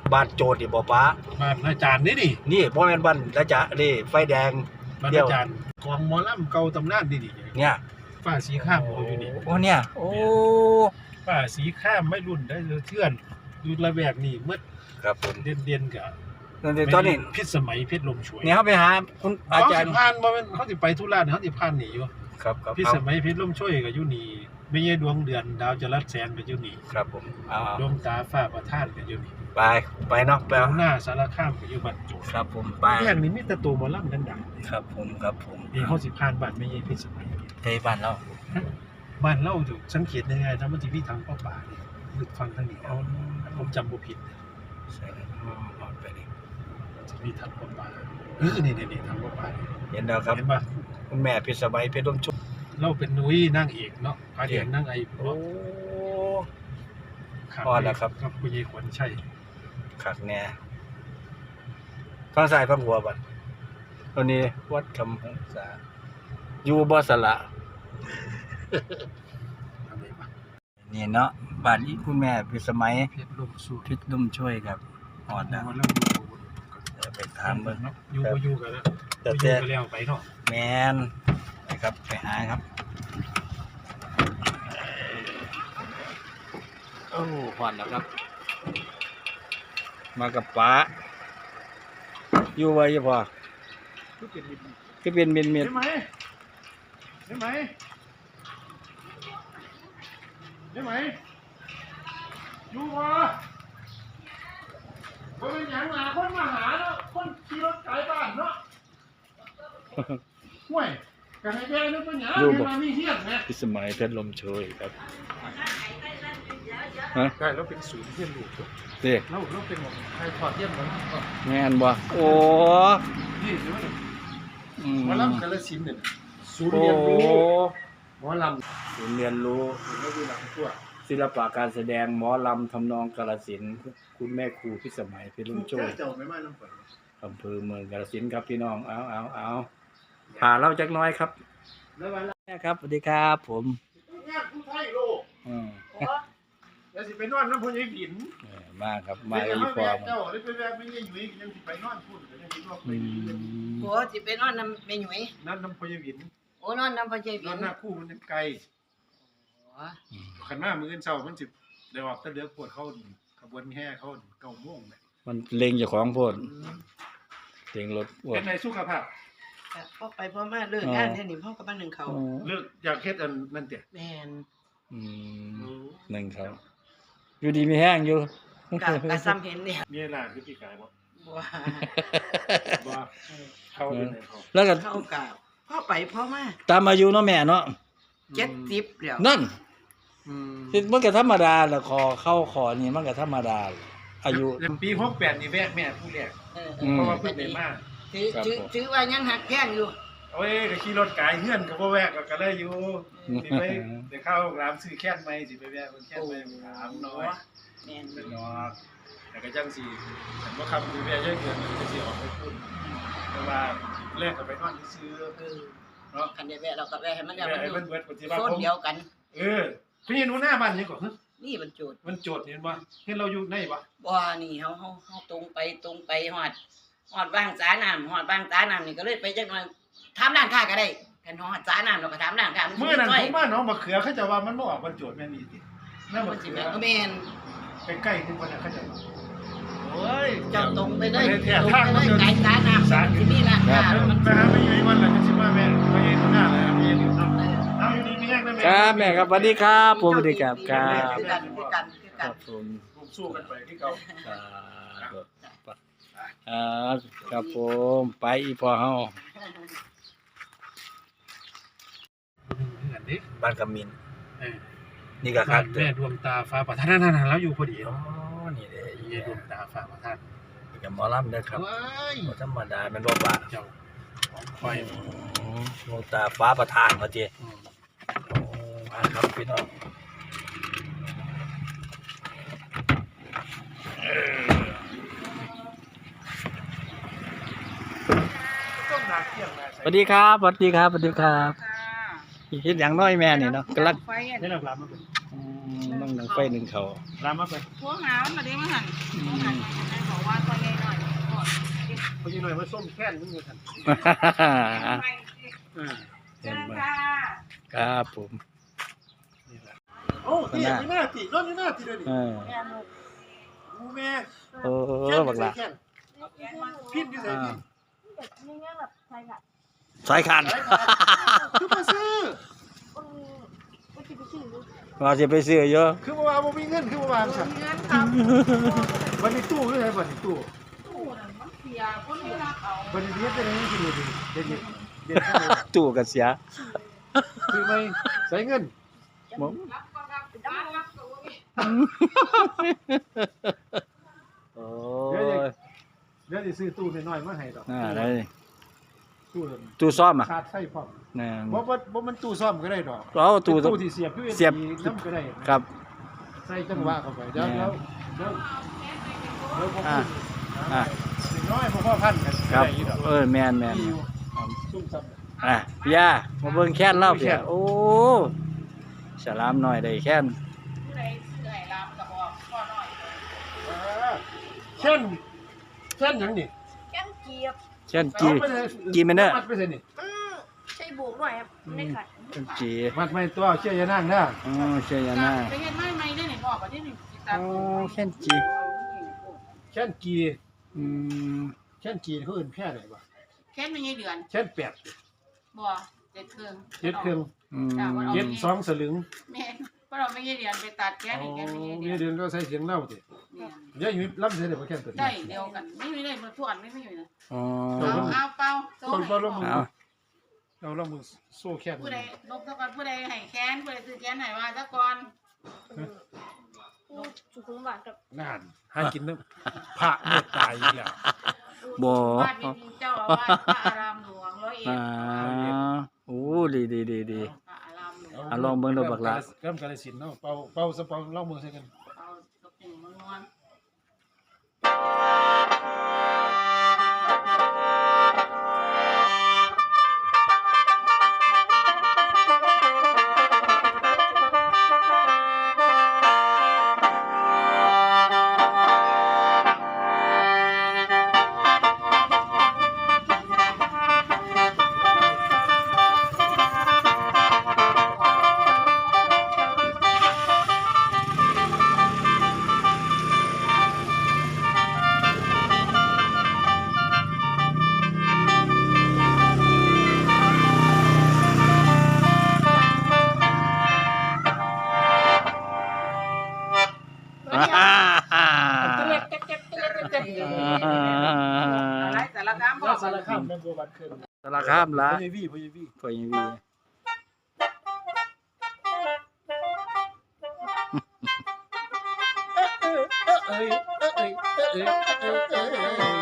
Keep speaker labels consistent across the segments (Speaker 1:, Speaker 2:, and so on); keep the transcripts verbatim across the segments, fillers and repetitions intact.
Speaker 1: บ้านโจดนี่บ่ป้า
Speaker 2: บ้านอาจารย์นี่ดิ
Speaker 1: นี่บ่แม่นบ้านอาจารย์นี่ไฟแดง
Speaker 2: บ้านอาจารย์ของหมอลำเก่าตำนานนี่ดิ
Speaker 1: เนี่ย
Speaker 2: ป้าสีข้ามเขาอยู่นี่
Speaker 1: โอ้เนี่ยโอ้
Speaker 2: ป้าสีข้ามไม่รุ่นได้เทื่อนอยู่ระแวกนี่หมด
Speaker 1: ครับผม
Speaker 2: เด่นๆก็
Speaker 1: ตอนนี้
Speaker 2: พิษสมัยเพชรลมช่วย
Speaker 1: เนี่ยเฮาไปหาคุณอาจารย์
Speaker 2: ผ่านบ่แม่นเฮาสิไปธุระเฮาสิผ่านนี่อยู่
Speaker 1: ครับครับ
Speaker 2: พิษสมัยเพชรลมช่วยก็อยู่นี่ไม่ใช่ดวงเดือนดาวจรัสแสนก็อยู่นี่
Speaker 1: ครับผมอ้าว
Speaker 2: ดวงตาฟ้าประทานก็อยู่นี่
Speaker 1: ไปไปเนาะไป
Speaker 2: หน้าสารคามก็อยู่บ้านโจ
Speaker 1: ครับผมไป
Speaker 2: แห่งนี้มีแต่ตัวหมอลำดัง
Speaker 1: ๆครับผมครับผม
Speaker 2: นี่เฮาสิผ่านบ้านไม่ใช่พิษสมัย
Speaker 1: เฮ้ยบ้านเรา
Speaker 2: บ้านเราอยู่สังเกตยังไงถ้ามันสิมีทางป่าป่านี่ลึกฟังทางนี้เอาผมจำบ่ผิด
Speaker 1: ใช่อ๋อไปนี่
Speaker 2: จะมีทางป่าป่าเออนี่ๆๆทางป่าป่า
Speaker 1: เห็นแล้วครับ
Speaker 2: เห็นป่ะ
Speaker 1: คุณแม่พิษสมัยเพชรลมชุบ
Speaker 2: เราเป็นนุ้ยนางเอกเนาะพาเอกนางไอโอ้
Speaker 1: พอแล้วครับ
Speaker 2: กับคุณยายขวัญชัย
Speaker 1: ขักแน่ฟังซ้ายฟังหัวบัดตัวนี้วัดคำหงษาอยู่บ่สละนี่เนาะบ้านนี้คุณแม่พิษสมัย
Speaker 2: เพชรลมสู้
Speaker 1: เพชรลมช่วยครับฮอดแล้วไปถามเบิ่ง
Speaker 2: อยู่บ่อยู่กันแล้วอยู่กันแล้วไปเนาะ
Speaker 1: แม่นไปครับไปหาครับโอ้ฮอดแล้วครับมากับป๋าอยู่ไว้พอคือเป็นเม็ดเม็ด
Speaker 2: ใช่ไหมใช่ไหมใช่ไหมอยู่วะบ่เป็นหยังหาคนมาหาเนาะคนขี่รถไกลบ้านเนาะห่วยกันให้แย่นึกเป็นหยังให้มามีเฮียนแม่
Speaker 1: พิสมัยเพชรลมโชยครับ
Speaker 2: ฮะใช่แล้วเป็นศูนย์เฮียนลูก
Speaker 1: เด้
Speaker 2: แล้วแล้วเป็นแบบใครถอดเฮียนมัน
Speaker 1: แม่นบ่โอ้
Speaker 2: นี่สิว่าหมอลำกาฬสินธุ์เนี่ยศูนย์เรียนรู้หมอลำ
Speaker 1: ศูนย์เรียนรู้ศิลปะการแสดงหมอลำทำนองกาฬสินธุ์คุณแม่ครูพิสมัยเพชรลมโชยอำเภอเมืองกาฬสินธุ์ครับพี่น้องเอาเอาเอาพาเราจักน้อยครับครับสวัสดีครับผม
Speaker 2: งานผู้ไทยโลก
Speaker 1: อืม
Speaker 2: แล้วสิไปนอนน้ำพุยายผิน
Speaker 1: มาครับมาอีพอ
Speaker 2: เจ้าได้ไปแวะไม่ยายหยุ่ยยังสิไปนอนพูดกันยังสิว่าไป
Speaker 3: โอ้สิไปนอนน้ำแม่หยุ่ย
Speaker 2: นอนน้ำพุยายผิน
Speaker 3: โอ้นอนน้ำพุยายผิน
Speaker 2: นอนหน้าคู่มันไกลขันมามื้อเช้ามันสิได้ออกตะเลือกปวดเข้าขบวนแห่เข้าเก้าโมงเลย
Speaker 1: มันเล็งเจ้าของโพดเล็งรถ
Speaker 2: เป็นในสุขภาพ
Speaker 3: พ่อไปพ่อมาเลิกงานเนี่ยนี่พ่อกับบ้านหนึ่งเขา
Speaker 2: เลิกอยากเฮ็ดอันนั่นเตะ
Speaker 3: แม่น
Speaker 1: อืมหนึ่งเขาอยู่ดีมีแห้งอยู่
Speaker 3: กะกะซ้ำเห็นเนี่ย
Speaker 2: มีหลานคือพี่กายบ่
Speaker 3: บ่
Speaker 2: บ่เข้าเป็นเขา
Speaker 1: แล้วก็
Speaker 3: เข้ากะพ่อไปพ่อมา
Speaker 1: ตามอายุเนาะแม่เนาะ
Speaker 3: เจ็ดสิบแล้ว
Speaker 1: นั่นอืมมันก็ธรรมดาแหละคอเข้าคอนี่มันก็ธรรมดาอายุ
Speaker 2: ปีหกแปดนี่แวะแม่ผู้แรกเพราะว่าเพิ่นได้มา
Speaker 3: ถือถือถือว่ายังหักแข้งอยู่
Speaker 2: โอ้ยก็ขี่รถกายเฮือนก็บ่แวะก็เลยอยู่สิไปไปเข้าร้านซื้อแค้นใหม่สิไปแวะเพิ่นแค้นใหม่ถามน้อย
Speaker 3: แม่น
Speaker 2: เนาะแต่ก็จังสิฉันบ่คำสิแวะเยอะเกินก็สิออกไปพูดแต่ว่าแรกก็ไปนอนซื้อ
Speaker 3: เนาะคันได้แวะเราก็แวะให้มันแล้วมัน
Speaker 2: เบิดปฏิบัติ
Speaker 3: โซนเดียวกัน
Speaker 2: เออพี่หนูหน้าบ้านนี่ก่อน
Speaker 3: นี่มันโจทย์
Speaker 2: มันโจทย์เห็นบ่เห็นเราอยู่ในบ่
Speaker 3: บ่นี่เฮาเฮาเฮาตรงไปตรงไปฮอดฮอดบางสาน้ำฮอดบางสาน้ำนี่ก็เลยไปจักหน่อยถามร้านค้าก็ได้กันฮอดสาน้ำเราก็ถามร้านค้า
Speaker 2: มื้อนั้นผมมาน้องมะเขือเขาจะว่ามันบ่ออกมันโจทย์แม่นอีติ
Speaker 3: นั่นมันสิแม่นก็แม่น
Speaker 2: ไปใกล้คือคนน่ะเขาจะโอ้ย
Speaker 3: เจ้าตรงไปเลยตรงไปเลยไกลสาน้ำสาที่นี่ล่ะ
Speaker 2: มันไปหาไม่อยู่วันละจังสิว่าแม่ไปเฮ็ดหน้าเลยแม่อยู่เนาะเอาอยู่ดีมีแห้งได้แม่
Speaker 1: ครับแม่ครับสวัสดีครับผมสวัสดีครับครับ
Speaker 3: คือกันคือกันคือกัน
Speaker 1: ผม
Speaker 2: ผมสู้กันไปที่เก่า
Speaker 1: อ่าครับผมไปอีพอเฮาบ้านกำมินนี่ก็ครับ
Speaker 2: แม่ดวงตาฟ้าประทานนั่นๆแล้วอยู่พอดี
Speaker 1: อ๋อนี่เด้
Speaker 2: แม่ดวงตาฟ้าประทาน
Speaker 1: กับหมอลำเด้อครับบ่ธรรมดามันบ่บาเจ้า
Speaker 2: ค่อย
Speaker 1: ดวงตาฟ้าประทานว่าติอือโอ้อ่าครับพี่น้องสวัสดีครับสวัสดีครับสวัสดีครับเฮ็ดหยังน้อยแม่นี่เนาะกำลัง
Speaker 2: เฮ็ดลามมาเป็น
Speaker 1: อืมน้องหนังไฟหนึ่งเขา
Speaker 2: ลามมาไป
Speaker 3: พวกหามาได้มาหั่น
Speaker 2: คนที่หน่อยมาส้มแค้นมึงอยู่ท่าน
Speaker 3: เชิ
Speaker 1: เห็น
Speaker 3: ญ
Speaker 1: ไหม
Speaker 3: ค่ะ
Speaker 1: ครับผม
Speaker 2: นี่แหละโอ้ตีนี่หน้าตีนอนนี่หน้าตีเลยดิ
Speaker 1: เออ
Speaker 3: แม่ลูก
Speaker 2: กูแม่
Speaker 1: โอ้บักละ
Speaker 2: แค้นพินที่ใส่พิน
Speaker 4: แบบนี้ง่ายแบบใช่ค่ะ
Speaker 1: สายคัน
Speaker 2: คือมาซื้อ
Speaker 4: อืมก็จะไปซื้อ
Speaker 1: ว่าจะไปซื้อเยอะ
Speaker 2: คือมาว่าบ่มีเงินคือมาว่าสั่น
Speaker 3: เงินครับ
Speaker 2: วันนี้ตู้คือไงวันนี้ตู้
Speaker 3: ตู้นั่นมันเสียคนไม่รักเอา
Speaker 2: วันนี้เฮ็ดได้ยังกินอยู่ดิเด็ดเด็ดเด็ด
Speaker 1: ตู้กันเสีย
Speaker 2: คือไม่ใส่เงิน
Speaker 1: บ่
Speaker 3: รับก็รับบ้านรับก็บ่มี
Speaker 1: โอ้
Speaker 2: เดี๋ยวย เดี๋ยวจะซื้อตู้น้อยๆมาให้ดอก
Speaker 1: น่าได้
Speaker 2: ตู้
Speaker 1: ตู้ซ่อมอ่ะ
Speaker 2: ชาร์จไฟพร้อม
Speaker 1: นั่น
Speaker 2: บ่บ่บ่มันตู้ซ่อมก็ได้ดอก
Speaker 1: เอาตู้
Speaker 2: ตู้ที่เสียบ ยู เอส
Speaker 1: เสียบ
Speaker 2: บี น้ำก็ได้
Speaker 1: ครับ
Speaker 2: ใส่จังหวะเข้าไปเดี๋ยว
Speaker 1: แม่
Speaker 2: เดี๋ยวเดี๋ยวเดี๋ยวพวก
Speaker 1: อ่า
Speaker 2: คุณ
Speaker 1: อ่า
Speaker 2: สิ่งน้อยพวกพ่อพันกัน
Speaker 1: ครับ
Speaker 2: ได้อยู่ดอก
Speaker 1: เออแมนแมน
Speaker 2: มีอยู่ซุ่มซ้ำ
Speaker 1: อ่ะพี่ยามาเบิ่งแค้นเล่า
Speaker 2: แค้
Speaker 1: เพี่ย
Speaker 2: น
Speaker 1: โอ้สลามหน่อยได้แค้น
Speaker 3: ผู้ใดซื้อให้รามก็บอกพ่อน้อย
Speaker 2: เออเช่นเช่นหยังนี่
Speaker 4: แก้มเกียบ
Speaker 1: แค้นจี
Speaker 2: เอาไปเลย
Speaker 1: กี่เมตรเนี่ย
Speaker 2: มัดไปเลยนี่
Speaker 4: อืมใช่บวกหน่อยครับไม่ขัด
Speaker 1: แค้นจี
Speaker 2: มัดไม่ตัวเชื่อยานั่งนะ
Speaker 1: อ๋อเชียยาน่า
Speaker 3: ไปเฮ็ดไม้ใหม่ได้นี่บอกว่าที่นี่สิตัด
Speaker 1: โอ้แค้นจี
Speaker 2: เช่นกี
Speaker 1: อืม
Speaker 2: เช่นกีเขาอื่นแพร่ไหนวะ
Speaker 3: แค่ไม่ใช่เดือน
Speaker 2: เช่นแปด
Speaker 3: บ่เจ็ดเครื่อง
Speaker 2: เจ็ดเครื่อง
Speaker 1: อืม
Speaker 2: เจ็ดสองสลึง
Speaker 3: แม่นเพราะเราไม่ใช่เดือนไปตัดแค่นี่แค่ไม่ใช่
Speaker 2: มี
Speaker 3: เดือน
Speaker 2: เดือนก็ใส่เสียงเล่าดิ
Speaker 3: เนี่ย
Speaker 2: เดี๋ยวอยู่รับเสียเดี๋ยวมาแค่ตัวนี้
Speaker 3: ได้เดียวกันไม่มีได้มาทวนไม่มีนะ
Speaker 1: อ๋อ
Speaker 3: เอาเอาเป่าโซ่
Speaker 2: คน
Speaker 3: ให้
Speaker 2: ก็ลงมือ
Speaker 1: เอา
Speaker 2: เราลงมือโซ่แค่
Speaker 3: ผู้ใดลบซะก่อนผู้ใดให้แค้นผู้ใดซื้อแค้นให้ว่าซะก่อน
Speaker 4: อืมสุขุมหวานกับ
Speaker 2: นานให้กินน้ำพระเมตตายอีกแล้ว
Speaker 1: บ่
Speaker 3: บ้านมีเจ้าอาวาสพระอารามหลวงร้อยเอ็
Speaker 1: อ่า
Speaker 3: ด
Speaker 1: โอ้ดีดีดีดี
Speaker 3: พระอารามหลวง
Speaker 1: อ่ะลองเบิ่งดูบักละ
Speaker 2: เริ่มกาลสินธุ์เนาะเป่าเป่าสะเป่าลองมือใส่กัน
Speaker 3: เอาตกแต่งมันนวล
Speaker 1: อ่า
Speaker 4: ตัวเล็กเจ็บเจ็บเจ็บเจ็บเจ็บ
Speaker 3: อะไรแต่ละคำบอ
Speaker 2: ถ้าก สารคามแม่บัวบันเคิน
Speaker 1: สารคามละ
Speaker 2: พญาวีพญาวี
Speaker 1: พอยังวี
Speaker 2: เอ้ยเอ้ยเอ้ยเอ้ยเอ้ยเอ้ย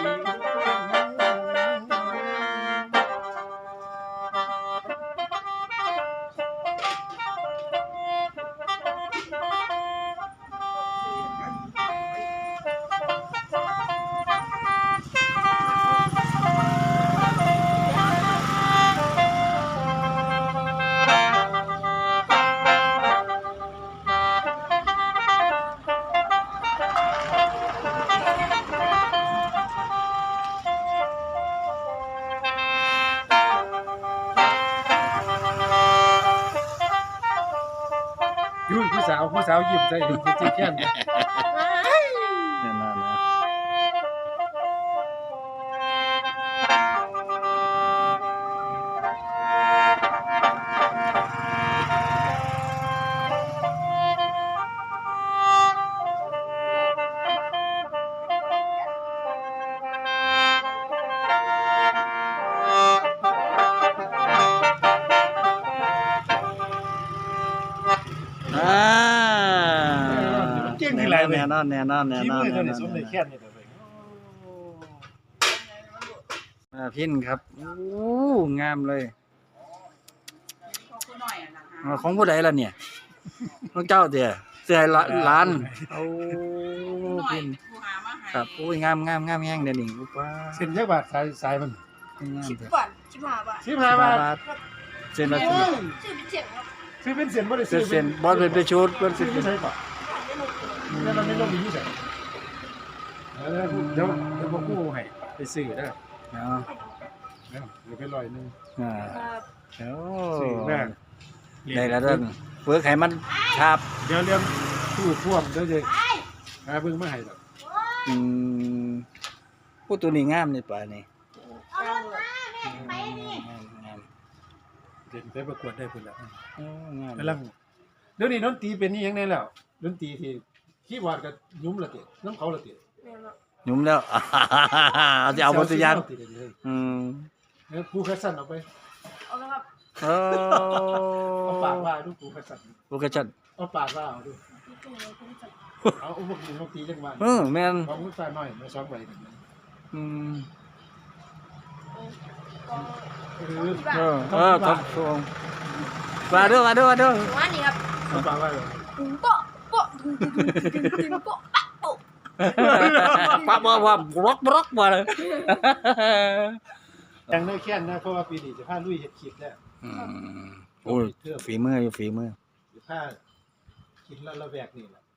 Speaker 2: ยุ่นผู้สาวผู้สาวยิ้มใจยิ้มจีแค้น
Speaker 1: แน่นอนนะอ่า
Speaker 2: เก่งที่ไรเลย
Speaker 1: แน่นอนแน่นอนแน่
Speaker 2: ที่
Speaker 1: นอน
Speaker 2: มือ
Speaker 1: แน่
Speaker 2: เท่าน นี้
Speaker 1: อน
Speaker 2: สมในแค้นนี่ตัวเอง
Speaker 1: อ่าพินครับโอ้งามเลย
Speaker 3: ของคุณหน่อยอ่ะนะฮะ
Speaker 1: อ่าของผู้ใดล่ะเนี่ยน้องเจ้าเตี่ยเสื้อละล้านโอ้
Speaker 3: คุณหน่อย
Speaker 1: พิน
Speaker 3: เป็นผู้หามาให้
Speaker 1: ครับโอ้ยงามงามงามแห้งเด่นนี่ลูกว่า
Speaker 2: เส้นยักษ์บาทสายสายมัน
Speaker 1: งาม
Speaker 4: สิบ
Speaker 1: เถอะ
Speaker 4: บาทสิบห้าบาท
Speaker 2: สิบห้าบาท
Speaker 1: เส้นละ
Speaker 2: โอ้
Speaker 1: สิบ
Speaker 2: ย
Speaker 4: ซื้อเป็นเสียงครับ
Speaker 2: ซื้อเป็นเส้นบ่ได้
Speaker 1: เส้
Speaker 2: ซื้
Speaker 1: น
Speaker 2: อ
Speaker 1: เส้นบอลเป็นไปชุดเป็น
Speaker 2: ซื้
Speaker 1: สิ
Speaker 2: อบ ที่ไหนก่อนแล้วเราไม่ต้องมีที่ไหนเดี๋ยวเดี๋ยวพวกกู้ให้ไปซื้อได้
Speaker 1: เอา
Speaker 2: เอาเดี๋ยวไปลอยหนึง
Speaker 1: อ่า
Speaker 4: ครับ
Speaker 1: โอ้
Speaker 2: สิ่งแรก
Speaker 1: ได้แล้วเด้อเวิร์กให้มันครับ
Speaker 2: เดี๋ยวเรื่องตู้พ่วงเดี๋ยวจะหาเบิ่งมาให้ดอก
Speaker 1: อืมผู้ตัวนี้งามนี่ป่านี่
Speaker 4: เอารถมา
Speaker 1: ไปนี่งาม
Speaker 2: เดี๋ยวไปประกวดได้พุ่นแล้ว
Speaker 1: โอ้งาม
Speaker 2: กำลังเดี๋ยวนี้ดนตรีเป็นนี่ยังไงแล้วดนตรีที่คีย์บอร์ดกับยุ้มละติน้ำเขาละติ
Speaker 4: แม่นบ่
Speaker 1: หยุ่มแล้ว เอาจะเอาบทตัวอย่าง
Speaker 2: เติดเลย
Speaker 1: อืม
Speaker 2: แล้วครูคัสซันเอาไป
Speaker 4: เอาแล้วครับ
Speaker 1: โอ้
Speaker 2: เอาปากว่าดูครูคัสซัน
Speaker 1: โอเคจัด
Speaker 2: เอาปากว่าเอาดู
Speaker 4: พี่ตู่เลยพี่ตู่
Speaker 2: เอาอุปกรณ์ดนตรีจังหวะ
Speaker 1: เออแม่น
Speaker 2: ของคุณฟ้าน้อยมาซ้อมไว้
Speaker 1: อืม
Speaker 4: ก็
Speaker 2: เออ
Speaker 1: เออเออครับทวงมาเด้อมาเด้อมาเด้อ
Speaker 4: ว่านี่ครับ
Speaker 2: เอาปากว่าเลย
Speaker 4: ปุ้งโปะโปะตึงตึงตึงตึงตึงโปะปะโปะ
Speaker 1: ปั๊บปั๊บปั๊บร็อกร็อกมาเลย
Speaker 2: ยังได้แค่นนะเพราะว่าปีนี้จะพาลุยเฮ็ดคลิปแล้ว
Speaker 1: อืมโอ้ยฝีมืออยู่ฝีมือ
Speaker 2: จะพาคิดแล้วระแวกนี่แหละ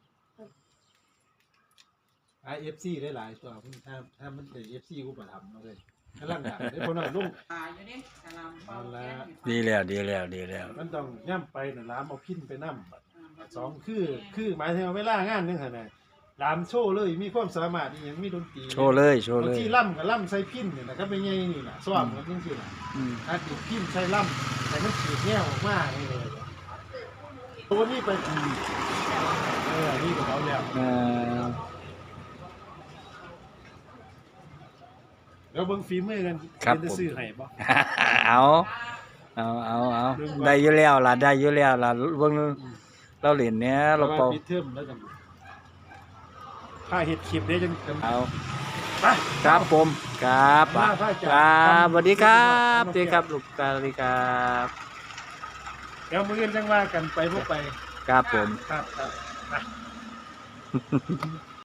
Speaker 2: ไอ เอฟ ซี ได้หลายตัวคุณถ้าถ้ามันเป็น เอฟ ซี กูประทำมาเลยกำลังดังได้คนน่ะลุง
Speaker 3: อ่าอยู่นี่กำลังเป่าแค้นอยู่
Speaker 1: ดีแล้วดีแล้วดีแล้ว
Speaker 2: มันต้องย่ำไปน่ะล้ามเอาพินไปนำบัดสองคือคือหมายถึงว่าเวลางานนึงหั่นน่ะล้ามโชว์เลยมีความสามารถอีหยังมีดนตรี
Speaker 1: โชว์เลยโชว์
Speaker 2: บา
Speaker 1: เล
Speaker 2: ง
Speaker 1: ย
Speaker 2: ทีล่ำก็ล่ำใส่พินนี่น่ะก็เป็นไงนี่น่ะซ้อมกันจังซี่น่ะ
Speaker 1: อืม
Speaker 2: ถ้าติดพินใส่ล่ำแต่มันขีดแนวออกมานี่เลยตัวนี้ไปอืมเออนี่ก็เขาแล้ว
Speaker 1: เออ
Speaker 2: เดี๋ยวเบิ่งฝีมือกัน
Speaker 1: ครับ
Speaker 2: เป็น
Speaker 1: ผม
Speaker 2: จะซื้อให้บ่
Speaker 1: เอาเอาเอาเอาได้อยู่แล้วล่ะได้อยู่แล้วล่ะเบิ่งเราเล่นเนี้ยเรา
Speaker 2: เรา
Speaker 1: เป่า
Speaker 2: ปิดเทอมแล้วกันถ้าเฮ็ดคลิปเด้จังจัง
Speaker 1: เอา
Speaker 2: ไป
Speaker 1: ครับผมครับ
Speaker 2: มาพระอาจารย์
Speaker 1: ครับสวัสดีครับ
Speaker 2: ทำ
Speaker 1: สวัสดีครับลูกตาสวัสดีครับ
Speaker 2: เดี๋ยวมื้ออื่นจังว่ากันไปบ่ไป
Speaker 1: ครับผม
Speaker 2: ครับครับ